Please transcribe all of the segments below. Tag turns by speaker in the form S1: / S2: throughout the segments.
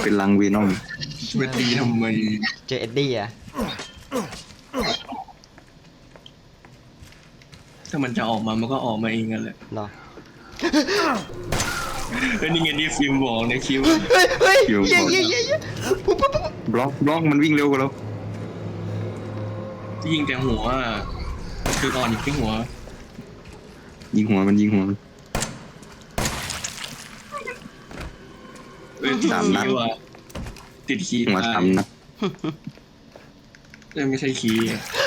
S1: เป็นลังวีนอม
S2: ไปตีทำไม
S3: เจอเอ็ดดี้อะ
S2: ถ้ามันจะออกมามันก็ออกมาเองกันแหละ
S3: เนาะ
S2: นี่ไงที่ฟิล์มบอกในคลิป
S3: เฮ้ยเย้ปุ๊บ
S1: บล็อกมันวิ่งเร็วกว่าเรา
S2: ที่ยิงแต่หัวคืออ่อนอีกที่หัว
S1: ยิงหัวมันยิงหัวมัน
S2: ติดคีย์ว่ะติดคีย์
S1: หัวซ้ำนะ
S2: ไม่ใช่คีย์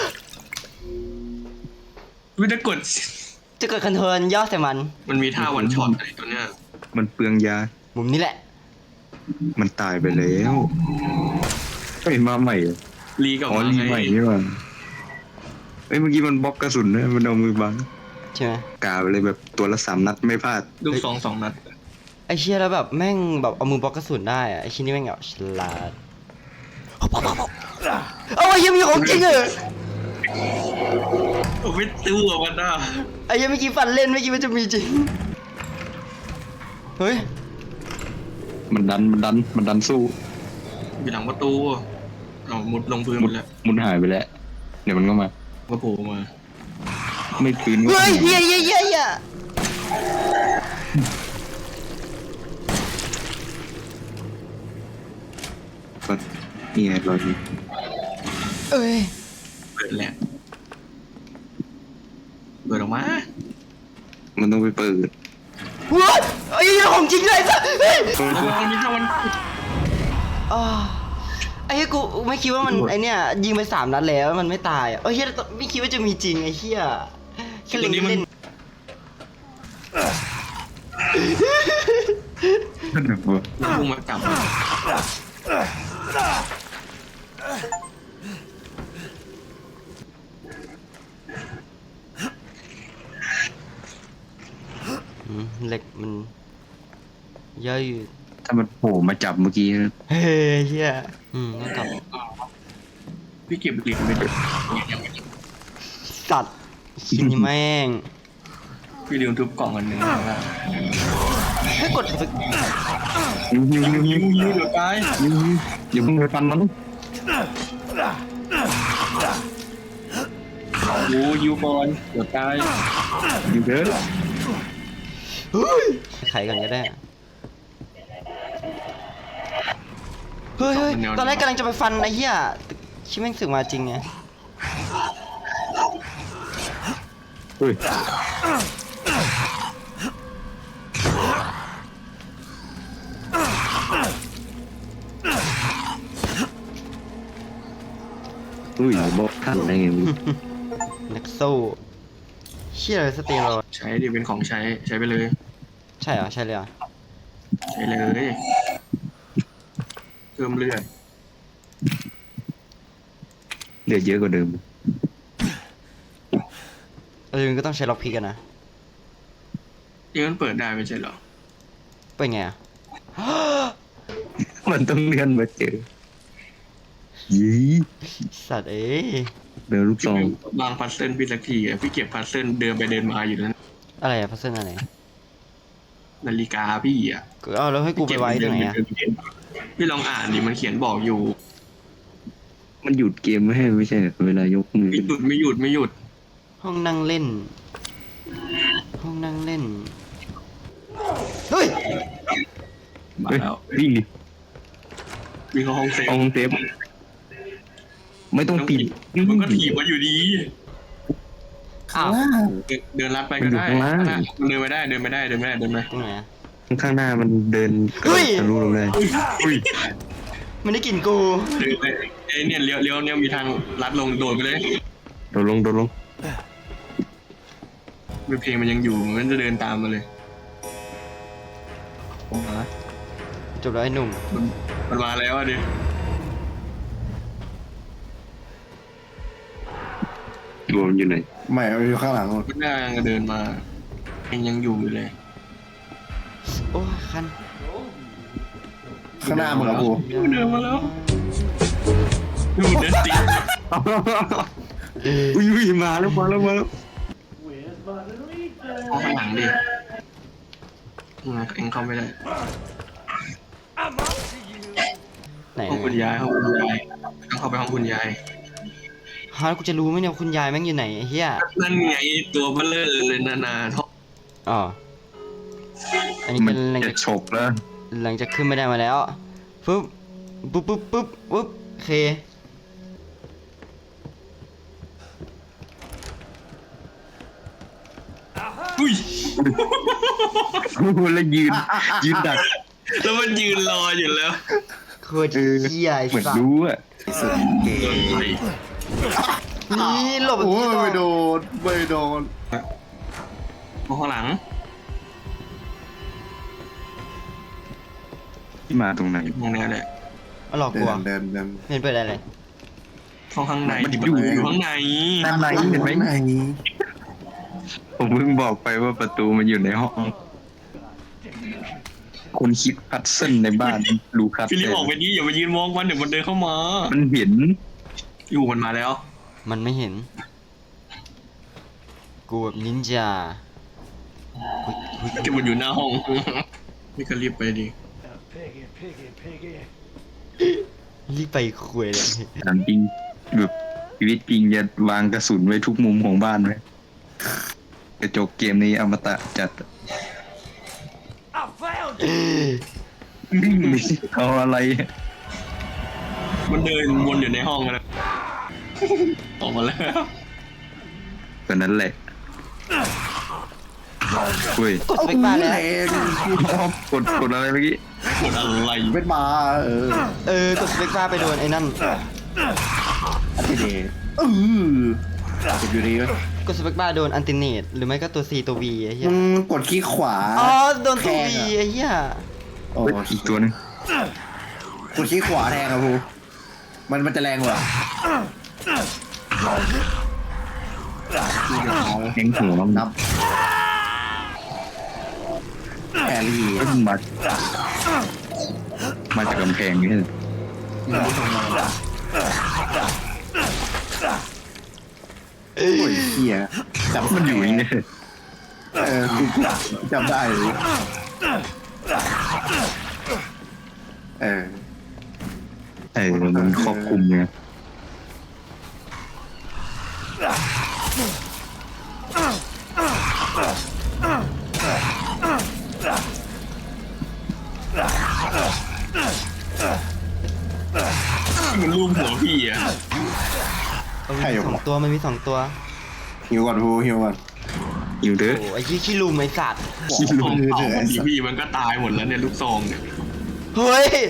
S2: วิธีกด
S3: จะเกิดคอนโทรลย่อใส่มัน
S2: มันมีท่าวันช็อตอะไรตัวเนี้ย
S1: มันเปลืองยา
S3: มุมนี้แหละ
S1: มันตายไปแล้วเฮ้ยมาใหม่เหรอ
S2: รีกับ
S1: อ๋อ
S2: มา
S1: รี
S2: ไง
S1: ใหม่นี่หว่าเอ้ยเมื่อกี้มันบล็อกกระสุนนะมันเอามือบัง
S3: ใช่ไหม
S1: กาไปเลยแบบตัวละ3 นัดไม่พลาด
S2: ลูก2 นัด
S3: ไอเชี่ยแล้วแบบแม่งแบบเอามือบล็อกกระสุนได้อะไอชิ้นนี้แม่งแบบฉลาดเอาไอ้ยังมีของจริงเหรอ
S2: โอ้ไม่ตู้อ่ะมันน่ะ
S3: ไอ้ยังเมื่อกี้ฟันเล่นเมื่อกี้มันจะมีจริงเฮ้ย
S1: มันดันสู้
S2: อยู่หลังประตูเอามุดลงพื้นหมดแล้ว
S1: มุดหายไปแล้วเดี๋ยวมันก็มา
S2: ก็โผล่มา
S1: ไม่คืนก็
S3: เฮ้ยเฮีย
S1: นี่ไงรอยนี้
S3: เอ้ย
S2: เปิดแหละเปิดออกมา
S1: มันต้องไปเปิด
S3: ว้าไอ้ยังของจริงเลยสัสเฮ้ย
S2: มันมีท่าวัน
S3: อ่าไอ้เหี้ยกูไม่คิดว่ามันไอเนี้ยยิงไป3 นัดแล้วมันไม่ตายอ่ะเฮียไม่คิดว่าจะมีจริงไอ้เฮียแค่เล่น
S1: นั่นแหละวะ
S2: พุ่งมาจับ
S3: เหล็กมันย่อยอยู่
S1: ถ้ามันโผล่มาจับเมื่อกี้นะ
S3: เฮ้ยเฮียต้องกลับ
S2: พี่เก็บเหรียญไปด้วย
S3: สัตว์ชิ้นนี้แม่ง
S2: พี่ลืมทุบกล่องอันหนึ่งว่า
S3: ให้กดไป
S1: ยิงยิงยิงยิง
S2: ยืดหรือตาย
S1: ยิงอย่าเพิ่งไปฟันมัน
S2: โอ้ยูบอลเดี๋ยวตาย
S1: ยิงเถอะ
S3: ไขก่อนก็ได้เฮ้ยตอนแรกกำลังจะไปฟันไอ้เหี้ยชิแม่งสึกมาจริงไง
S1: เฮ้ยอุ้ยบอกทันได้ไงมึง
S3: นักสู้เชี่ยอะไรสเตียรอยด์
S2: ใช้ดิเป็นของใช้ไปเลย
S3: ใช่เหรอใช่เลยเหรอ
S2: ใช้เลยเพิ่มเลือด
S1: เลือดเยอะกว่าเดิม
S3: ก็ต้องใช้ล็อกพิกกันนะ
S2: นี่มันเปิดได้ไม่ใช่เหรอ
S3: เป็นไงอ่ะ
S1: มันต้องเลื่อนมาเจอยี่
S3: สัตว์เอ้ย
S1: เดินลูกซอง
S2: วางพัซเซิลพี่สักทีอ่ะพี่เก็บพัซเซิลเดินไปเดินมาอยู่นั้น
S3: อะไรอะพัซเซิลอะไร
S2: นาฬิกาพี่อ่ะ
S3: ก็เอาแล้วให้กูไปไว้ตรงไหนอะ
S2: พี่ลองอ่านดิมันเขียนบอกอยู่
S1: มันหยุดเกมไม่ให้ไม่ใช่เหรอเวลายกมือ
S2: ไม่หยุด
S3: ห้องนั่งเล่น ห้องนั่งเล่นเฮ้ย
S2: มา
S1: เฮ้ย
S2: แล้ว
S1: วิ่งดิ
S2: วิ่งเข้าห้องเซฟ
S1: ห้องเซฟไม่ต้องปิด
S2: มันก็ถีบมาอยู่ดี
S3: อ้าว
S2: เดินลัดไปก็ได้มันเดินไม่ได้เดินไป
S3: ตรงไหนอะ
S1: ข้างหน้ามันเดินกระโดดทะลุลงได้อุ้ย
S3: มันได้กลิ่นกู
S2: เดินไปไอ้เนี่ยเลี้ยวเนี่ยมีทางลัดลงโดดไปเลย
S1: โดดลง
S2: เพลงมันยังอยู่มันจะเดินตามมาเลย
S3: จบแล้วไอ้หนุ่ม
S2: มันมาแล้วอ่ะดิ
S1: รวมอยู่ไหน
S4: ไม่เอาอยู่ข้างหลัง
S2: มันน่าจะเดินมาเพลงยังอยู่อยู่เลย
S3: โอ้ยคัน
S4: ข้างหน้ามึงเหรอกู
S2: เดินมาแล้วดูเดินติด
S1: อุ้ยมาแล้ว
S2: เอาข้างหลังดิเอ็งเข้าไม่ได้
S3: ไหน
S2: ห้องคุณยายต้องเข้าไปห้องคุณยาย
S3: ฮะกูจะรู้ไหมเนี่ยคุณยายแม่งอยู่ไหนไอ้เหี้ย
S2: นั่นไงตัวเบลเลอร์เลยนาท่อ
S3: อ๋ออันนี้
S1: มั
S3: เป็น นหลัง
S1: จะ
S3: จาก
S1: ฉกแล้ว
S3: หลังจากขึ้นไม่ได้มาแล้วปุ๊บโอเค
S2: อุ้ย
S1: แล้วยืนดัก
S2: แล้วมันยืนรออยู่แล้ว
S3: โคตรเหี้ยไอ้
S1: เหมือน
S3: สัส
S1: รู้อะ
S4: สุดเก๋
S2: โดนไป
S3: นี่หลบ
S4: โอ้
S3: ที่
S4: ย
S3: ต้อง
S4: ไม่โดนไม่โดน
S2: มองข้างหลัง
S1: ที่มาตรงไหน
S2: มองแนวเนี่ย
S3: มาหลอกกู
S4: เดิน
S3: เห็นเปิดอะไรเลย
S2: ห้องข้างใน
S1: มัน
S2: ดิ
S1: อยู่
S2: ข้างใน
S1: ด้านในเห็นไหม
S4: ไหน
S1: ผมเพิ่งบอกไปว่าประตูมันอยู่ในห้อง คนคิดพัดเส้นในบ้านรู้ครับ
S2: ฟิลิปออกไปดิอย่าไปยืนมองมันเดี๋ยวมันเดินเข้ามา
S1: มันเห็น
S2: อยู่มันมาแล้ว
S3: มันไม่เห็น กูแบบนินจา
S2: จะมันอยู่หน้าห้อง นี่ก็รีบไปดิ
S3: รีบไปคุยเลย
S1: ถามจริงแบบชีวิตจริงจะวางกระสุนไว้ทุกมุมของบ้านไหมกระจกเกมนี้อมตะจัดเอาอะไร
S2: มันเดินวนอยู่ในห้องกันนะออกมาแล้ว
S1: ก็นั้นแหละอุ้ย
S3: กดสเปคบาร์แล้ว
S1: กดอะไรเมื่อกี้
S2: กดอะไร
S4: เป็นมา
S3: กดสเปคบาร์ไปโดนไอ้นั่น
S4: อันที่ดีเก็บอยู่ดีไหม
S3: กดสเปคบาร์โดนอันติเนตหรือไม่ก็ตัว C ตัว V ไอ้เหี้ย
S4: กดคลิกขวา
S3: อ๋อโดนตัว V
S4: แทงอะ
S3: ไอ้เหี้ย
S4: โอ้
S1: เฮ้ยอีกตัวหนึง
S4: กดคลิกขวาแทงครับพูมันจะแรงกว่า
S1: แข็งหัวมัน
S4: นับแครี่
S1: เอ้ยมาจากกำแพงนี่
S4: โอ้ยเหี้ยจับ
S1: มันอยู่อย่างนี้
S4: กูจำได้เลยเออ
S1: มันครอบคลุมไง
S2: มันรูปหัวพี่อ่ะ
S3: มันมีสองตัวมันมีสองตัว
S4: หิวก่อนพูหิวก่อน
S1: อยู่เด้อ
S3: โอ้ไอ้ขี้ลุมไอ้สัตว์
S1: ขี้
S2: ข
S1: ลุ
S2: อง
S1: ม
S2: เผาของพี่มันก็ตายหมดแล้วเนี่ยลูกซองเนี่ย
S3: เฮ้ย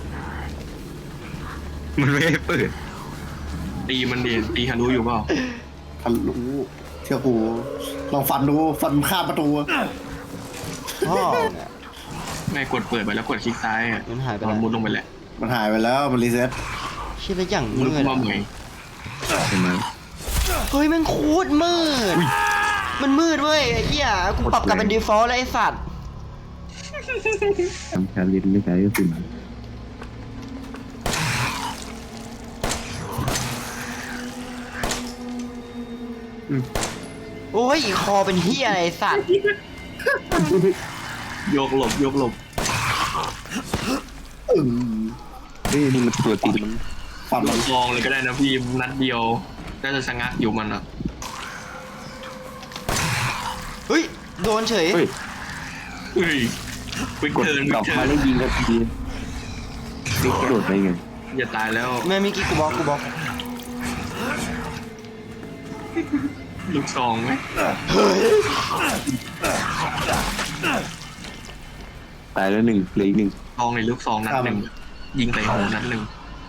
S1: มันไม่ให้เปิด
S2: ตีมันดิตีฮารุอยู่เปล่า
S4: ทะลุเชื่อกูลองฟันดูฟันข้ามประตู
S3: พ่อเนี่ย
S2: ไม่กดเปิดไปแล้วกดคลิกซ้ายอ่ะ
S3: มันหายไป
S2: มั
S3: แล้ว
S2: นมุดลงไปแหละ
S4: มันหายไปแล้วมันรีเซ็ต
S3: เชี่ยแล้วอย่าง
S2: มุ
S3: มื
S2: ด
S3: ด
S2: มา
S3: อะ
S2: ใหม่
S1: ใช่ไหม
S3: เฮ้ยแมันโคตรมืด มันมืดเว้ยไอ้เหี้ยกูปรับกลับเป็น default แล้วไอ้สัตว์
S1: ทำการเรียนไม่ใช่ก็คือ
S3: โอ้ยคอเป็นเหี้ยอะไรไอ้สัตว์
S2: โยกหลบโยกหลบ
S1: นี่มันตัวติดมัน
S4: ฟัน
S2: ลูกซองเลยก็ได้นะพี่นัดเดียวน่าจะชะงักอยู่มันอ่ะ
S3: เฮ้ยโดนเฉย
S1: เฮ้ย
S2: เฮ้ยไป
S1: กด
S2: เทิร์น
S1: กลับ
S2: เทิ
S1: มา
S2: ร์น
S1: แล้วยิงก็ทีโดดไปไง
S2: อย่าตายแล้ว
S3: แม่มิกี้กูบล็อก
S2: ลูกซองไหม
S1: ตายแล้วหนึ่งเหลืออีกหนึ่ง
S2: ซองในลูกซองนัดหนึ่งยิงใส่หัวนัดหนึ่ง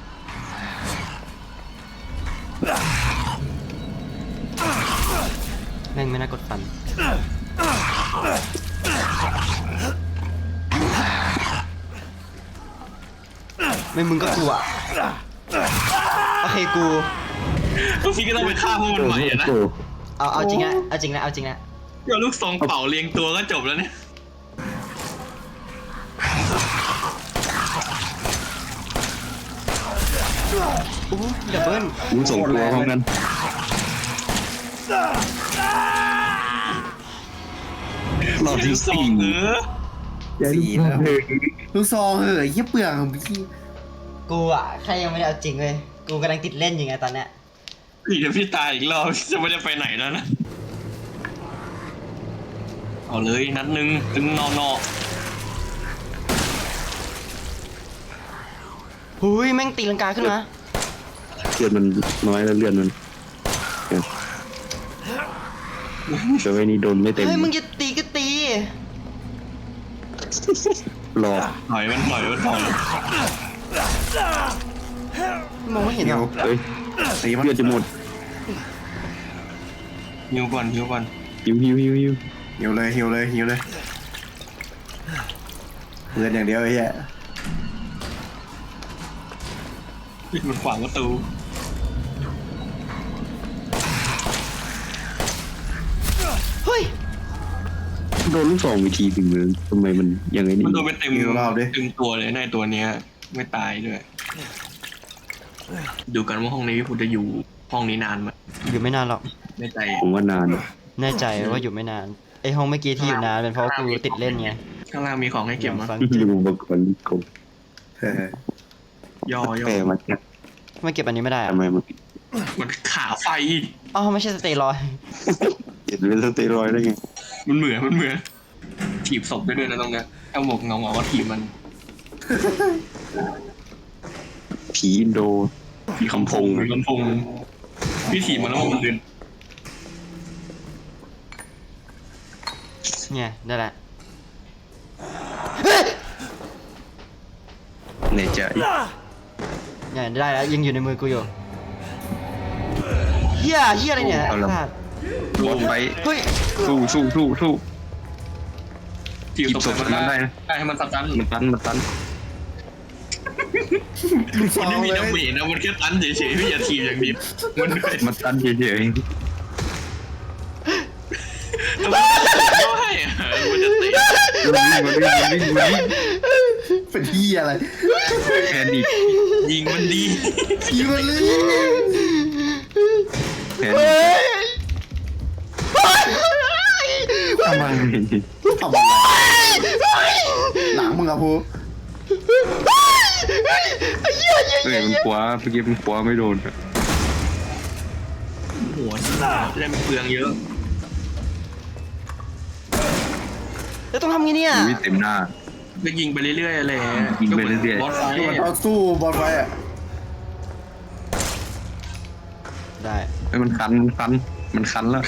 S3: แม่งไม่น่ากดฟันไม่มึงก็กลัวโอเคกู
S2: พี่ก็ต้องไปฆ่าพวกมันใหม่อะนะ
S3: เอาจริงนะเอาจริงนะเอาจริงนะ
S2: เดี๋ยวลูกซองเป่าเรียงตัวก็จบแล้วเนี่ย
S3: โอ้ดับเบิ้ล
S1: รู้ส่งตัวพร้อมกัน รอบที่
S2: ลูกซอง
S1: สี่
S2: เออ
S4: 4แล้วลูกซองเหอะยี่เปลืองของพี่
S3: กูอ่ะแค่ยังไม่ได้เอาจริงเลยกูกำลังติดเล่นอยู่ไงตอนเนี้ย
S2: เดี๋ยวพี่ตายอีกรอบจะไม่ได้ไปไหนแล้วนะเอาเลยนัดหนึ่งตึงนอ
S3: หุยแม่งตีลังกาขึ้นมา
S4: เลือดมันน้อยแล้วเลือดมันแต่ไว้นี่โดนไม่เต็ม
S3: เฮ้ยมึงจะตีก็ตี
S4: หลอก
S2: ถอยมันถอย
S3: มองไม่เห็นหรอ
S4: เฮ้ยสีเลือดจะหมด
S2: หิวก่อน
S4: หิว
S5: หิวเลยเงินอย่างเดียวไอ้เหี้ย
S2: มันขวางประตู
S3: เฮ้ย
S4: โดนลูกสองวิธีถึงเลยทำไมมันยังไงนี่
S2: มันโดนไปเต็มตัวเลยในตัวเนี้ยไม่ตายด้วยดูกันว่าห้องนี้คุณจะอยู่ห้องนี้นานไหม
S3: อยู่ไม่นานหรอก
S2: ในใจ
S4: ผมว่านาน
S3: แน่ใจว่าอยู่ไม่นานไอห้องเมื่อกี้ที่อยู่นานเป็นเพราะกูติดเล่นไง
S2: ข้างล่างมีของให้เก็บมั้ย
S3: ฟัง
S4: ดูอุปกรณ์กบ
S2: ย่อ
S4: แปลมาจาก
S3: ไม่เก็บอันนี้ไม่ได้อะ
S4: ทำไมมัน
S2: มันขาไฟ
S3: อ๋อไม่ใช่สเตียรอยด์
S4: เห็นเป็นสเตียรอยด์ได้ไง
S2: มันเหมือนถีบศพได้ด้วยนะตรงเนี้ยเอาหมวกเงาว่าถีบมัน
S4: ผีอินโด
S2: พี่คำพงพี่ถีบมันแล้วมันเดิน
S3: เนี่ยได้แหละ
S4: ในใจ
S3: เนี่ยได้แล้วยังอยู่ในมือกูอยู่เฮียอะไรเนี่ย
S4: เอาละ
S3: สัตว์
S1: บอสไฟ
S3: เฮ้ย
S1: สู้
S2: ถีบศพมันได้ได้ให้มันตัน
S4: มันตัน
S2: คนที่มีดาเมจนะมันแค่ตันเฉยๆพี่อย่าถีบอย่างเดียวมันด้วย
S1: มันตันเฉย
S2: ก็ให้มันจะตี
S1: ๆวิ่ง
S5: เป็นเหี้ยอะไร
S1: แพนิค
S2: ยิงมันดี
S5: ยิงมันเลย
S1: แพนิคทำไม
S5: ทำอะไรหลังมึงอะพู
S1: มันขวาเมื่อกี้มันขวาไม่โดน
S2: หัวเล่นเปลืองเยอะ
S3: แล้วต้องทำไงเนี่ย
S1: วิเต็มหน้า
S2: ก็ยิงไปเรื่อยๆอะไร
S1: ยิงไปเรื่อยๆ
S2: บอสไฟ
S5: มันเอาสู้บอลไว้อะ
S3: ได้
S1: มันคันแล้ว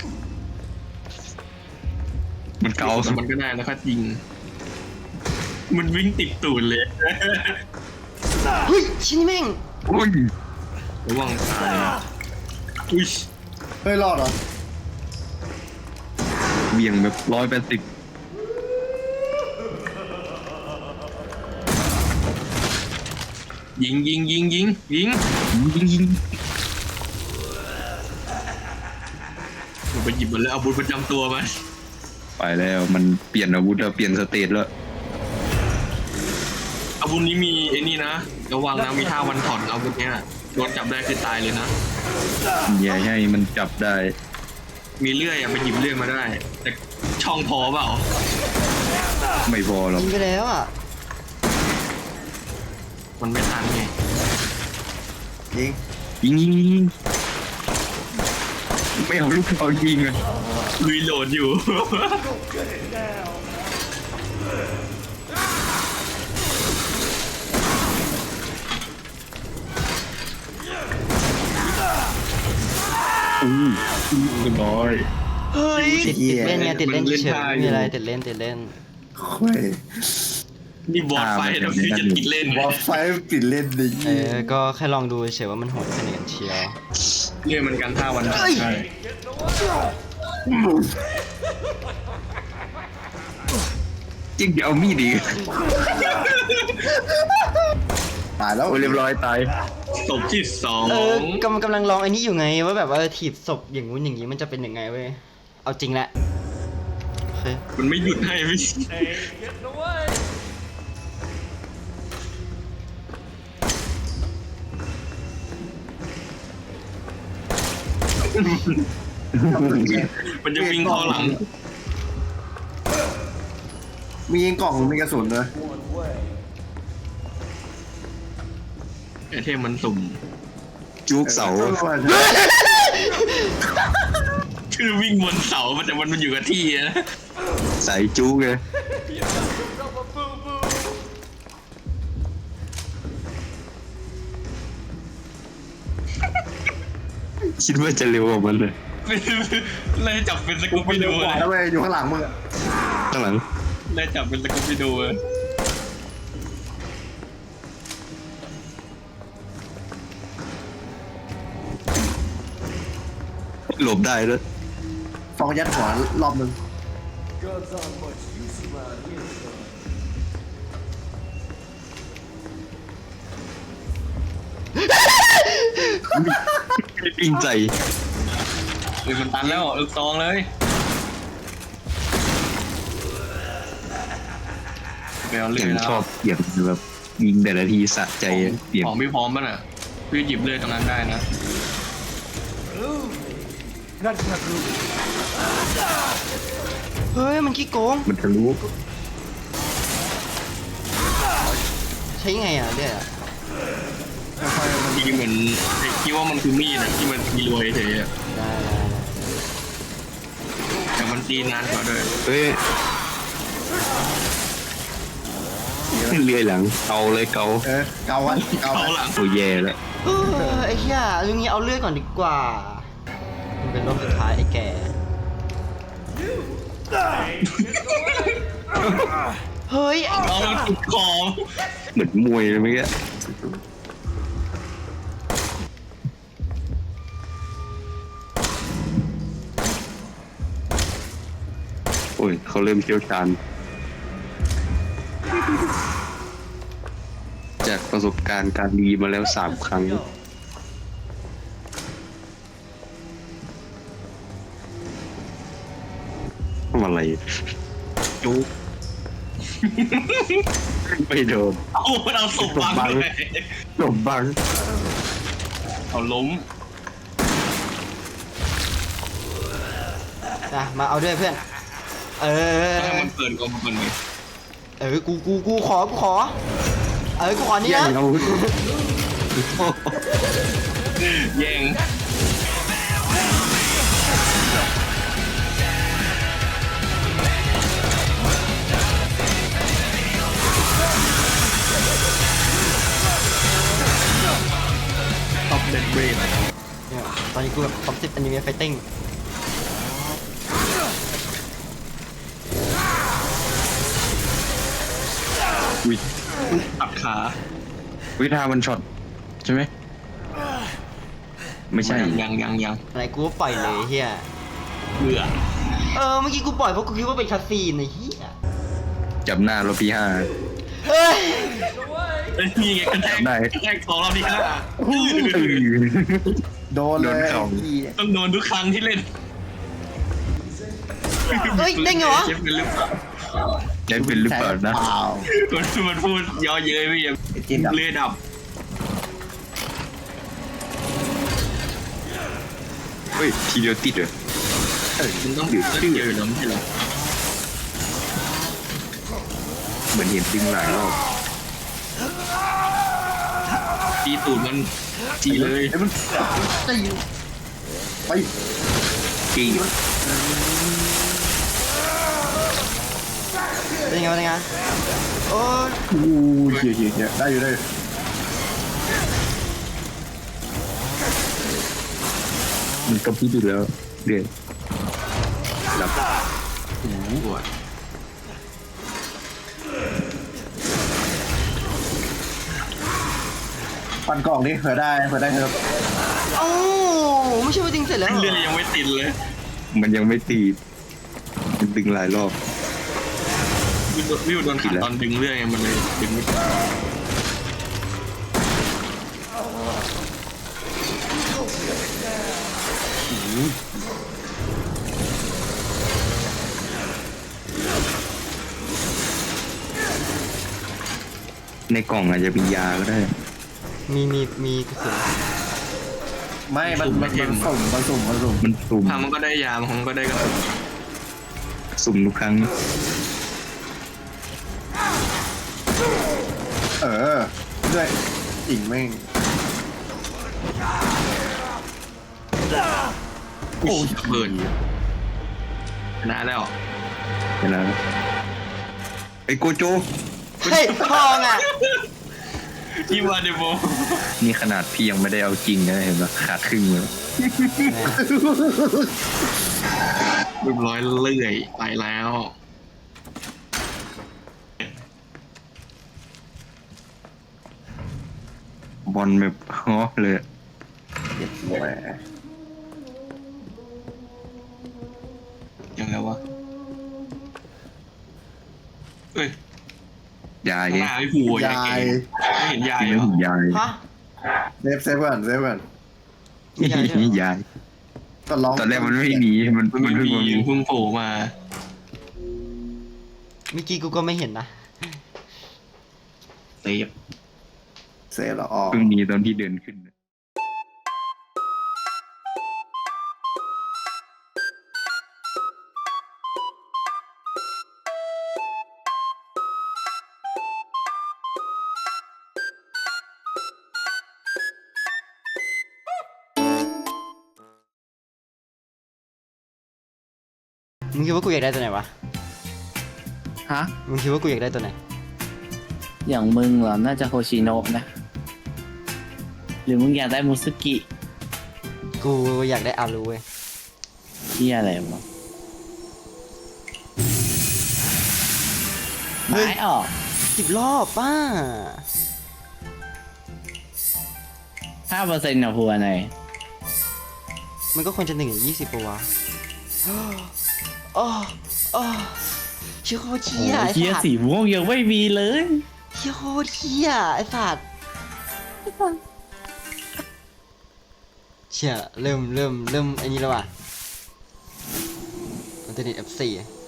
S1: มันเกา
S2: แต่มันก็ได้แล้วก็ยิง มันวิ่งติดตูดเลย
S3: เฮ้ยชิ้นนี้แม่ง
S1: อุ้ย
S2: ระวังตายอุ้ย
S5: เฮ้ยรอดเหรอ
S1: เบี่ยงแบบ180
S2: ยิง
S1: ยิง
S2: มันไปหยิบมันแล้วเอาบุญประจำตัวมา
S1: ไปแล้วมันเปลี่ยนอาวุธแล้วเปลี่ยนสเตตแล้ว
S2: อาวุธนี้มีไอ้นี่นะระวังนะมีท่าวันถอนอาวุธเนี้ยโดนจับได้คือตายเลยนะ
S1: อย่าให้มันจับได้
S2: มีเลื่อยอะไปหยิบเลื่อยมาได้ แต่ช่องพอเปล่า
S1: ไม่พอหรอก
S3: ยิงไปแล้วอ่ะ
S2: มันไม่ทันไง
S5: ยิง
S1: ยิงไม่เอาลูกเอายิงอ่ะ
S2: ลุยโหลดอยู่
S1: เรียบร้อย
S3: เฮ้ยติดเล่นไงติดเล่นเฉยๆไม่มีอะไรติดเล่น
S5: ค่อย
S2: นี่บอสไฟเดี๋ยวพี่จะติดเล่น
S5: บอลไฟปิดเล่นดิ
S3: ก็แค่ลองดูเฉยว่ามันโหดแค่ไหนกันเชียว
S2: เลื่อยมันกันท่าวันถอน
S3: เฮ้ย
S2: ใช่
S1: จริงจะเอามีดอีก
S5: ตายแล้ว
S1: โอ้ยเรียบร้อยตาย
S2: ศพที่สอง
S3: กำลังลองไอ้นี่อยู่ไงว่าแบบว่าถีบศพอย่างงู้นอย่างงี้มันจะเป็นยังไงเว้ยเอาจริงแหละโอเค
S2: มันไม่หยุดให้พี่ มันจะวิ่งเข้าหลัง
S5: มียิงกล่องมีกระสุนเลย
S2: ไอเทมมันสุ่ม
S1: จุกเสา
S2: คือวิ่งบนเสาแต่มันอยู่กับที่นะ
S1: ใส่จุกเลยคิดว่าจะเร็วกว่ามันเลย
S2: เลยจับเป็นส
S4: กู
S2: กูป
S4: ไป
S2: ปี้
S4: เร็ว
S2: ดู
S4: กว่าแล้วเว้ยอยู่ข้างหลังมึงอะ
S1: ข้างหลัง
S2: เลยจับเป็นสกูปปี้ดู
S1: หลบได้แล้วย
S4: ฟองยัดหัวรอบนึง
S1: ไม่ปิ้งใจ
S2: มันตันแล้วลูกซองเลยไปเอาเรื่
S1: ยั
S2: อย
S1: ง
S2: แล้ว
S1: ชอบเสียงแบบยิงแต่ละทีสะใจเสียง
S2: ของพี่พร้อมป่ะน่ะพี่หยิบเลื่อยตรงนั้นได้นะ
S3: เฮ้ยมันขี้โกง
S1: มันทะลุ
S3: ใช้ไงอ่ะเนี่ย
S2: จริงๆเหมือนคิดว่ามันคือมีดนะที่มันมีรวยเฉยอะ
S3: ได้
S2: แต่มันตีนานกว่าด้วย
S1: เฮ้ยเลื่อยหลังเกาเลยเกา
S4: เกาวันเกา
S2: เขา
S4: วัน
S2: หลัง
S1: ตัวแย่แล้ว
S3: ไอ้เหี้ยลุงนี้เอาเลือดก่อนดีกว่ามันเป็นรอบสุดท้ายไอ้แก่เฮ้ย
S2: เอามันติดคอ
S1: เหมือนมวยเลยเมื่อกี้โอ้ยเขาเริ่มเชี่ยวชาญจากประสบการณ์การดีมาแล้ว3 ครั้งทำอะไร
S2: จุก
S1: ไม่โดน
S2: เอาศพบังเลย
S1: หลบบัง
S2: เอาล้ม
S3: นะมาเอาด้วยเพื่อน
S2: ถ้ามันเปิดก็มันเปิดเลย
S3: กูขอกูขอนี่
S1: แย่
S3: นะ
S1: งเอา
S2: แย่ง ท็อปเดนเบรด
S3: เนี่ยตอนนี้กูแบบท็อป10อนิเมะไฟติ้ง
S1: อุ้ย
S2: ตัดขา
S1: วิธามันช็อตใช่ไหมไม่ใช่
S2: ยัง
S3: อะไรกูก็ปล่อยเลยเฮีย
S2: เบื่อ
S3: เมื่อกี้กูปล่อยเพราะกูคิดว่าเป็นคาซีนไอ้เฮีย
S1: จับหน้ารถพี่5
S3: เฮ้ย
S2: นี่ไงกระแทก
S1: ได้
S2: กระแทกของเราดีขนาด
S4: โดนเลย
S1: โดนเข่า
S2: ต้องโดนทุกครั้งที่เล่น
S3: เฮ้ยได้ไงวะ
S2: เชฟเป็นหรือเปล่า
S1: ได้เป็นหรือเปล่านะ
S4: เปล่า
S2: มันพูดย่อเย้ยไม่ยัง
S4: ไอ้จีนดับ
S2: เลือดดับ
S1: เฮ้ยทีเดียวติดเหรอ
S2: มันต้องเจอแล้วไม่ใช่เหรอ
S1: เหมือนเห็นดึงหลายรอบ
S2: ตีตูดมันจีเลย
S4: ไอ้มันตีไป
S1: จริง
S3: เป็นไงโอ้ย
S4: อู้เหี้ยได้อยู่ได้อยู่
S1: มันก็พี่ดูแล้วเดือดหลับ
S2: ปวด
S4: ปั่นกล่องดิเผื่อได้เถอะ
S3: เอ้าไม่ใช่ว่าจริงเสร็จแล้วเหร
S2: เลือด
S3: อ
S2: ยังไม่ติดเลย
S1: มันยังไม่ตีดมันดึงหลายรอบ
S2: วิวโดนขัดตอนดึงเลือดไงมันเลยดึงไม่ติด
S1: ในกล่องอาจจะมียาก็ได้
S3: มีกระสุน
S4: ไม่มันสุ่ม
S1: มันสุ่ม
S2: ทางมันก็ได้ยาบางครั้งก็ได้กระสุน
S1: สุ่มทุกครั้ง
S4: ด้วยอิงแม่ง
S2: โอ้ยเบิร์นชนะแล้ว
S1: เวลาไอ้โกโจ
S3: เฮ้ยพองอ่ะ
S2: ที่มาเดโม
S1: นี่ขนาดพี่ยังไม่ได้เอาจริงนะเห็นปะขาดครึ่งเลย
S2: เรียบร้อยเลื่อยไปแล้ว
S1: บอลแบบฮอเลย
S4: แหม
S2: ยังไงวะเอ้ย
S1: ยาย
S2: ข้างหน้าไม่ผูยาย
S4: าย
S2: ไม่เห็นยาย
S1: ไม่
S2: เหรอ
S1: เห็นยาย
S3: ฮะ
S4: เซฟก่อนเซฟก่อน
S3: มียายด้วยเหรอ
S1: ยาย
S4: ก็ร้อง
S1: ตอนแรกมันไม่มีมัน
S2: มัน
S1: มัน
S2: ไม่
S1: เพิ่ง
S2: มี
S1: มามี
S2: เพิ่งโผล่มา
S3: เมื่อกี้กูก็ไม่เห็นนะ
S2: เซฟ
S4: เซฟแล้วออก
S1: เพิ่งมีตอนที่เดินขึ้น
S3: มึงคิดว่ากูอยากได้ตัวไหนวะ
S5: ฮะ
S3: มึงคิดว่ากูอยากได้ตัวไหน
S5: อย่างมึงเหรอ น่าจะโฮชิโนะนะ หรือมึงอยากได้มุสุกิ
S3: กูอยากได้อารูเว้ย
S5: ที่อะไรวะ
S3: เฮ้ย
S5: ไม้ออก
S3: 10 รอบป้า
S5: 5%นะพัวหน่อย
S3: มันก็ควรจะ1 20ปะวะอ๋ออ๋อเชี่ยโคตร
S5: โอ้
S3: เชี่ยไอ้
S5: เฮีย
S3: สัตว์
S5: สีม่วงยังไม่มีเลย
S3: เชี่ยโคตรเชี่ยไอ้สัตว์เชี่ยเริ่มไอ้นี่แล้วว่ะมันจะติด F4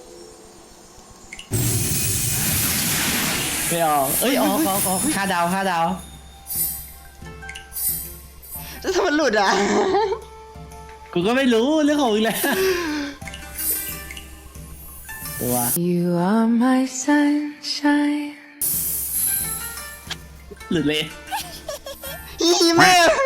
S5: ไม่ออก เอ้ยออก5 ดาว 5 ดาว
S3: แล้วถ้ามันหลุดอ่ะ
S5: กูก็ไม่รู้เรื่องของมึงแหละตัว
S6: You are my sunshine.
S5: หลุดเลย
S3: อีแม่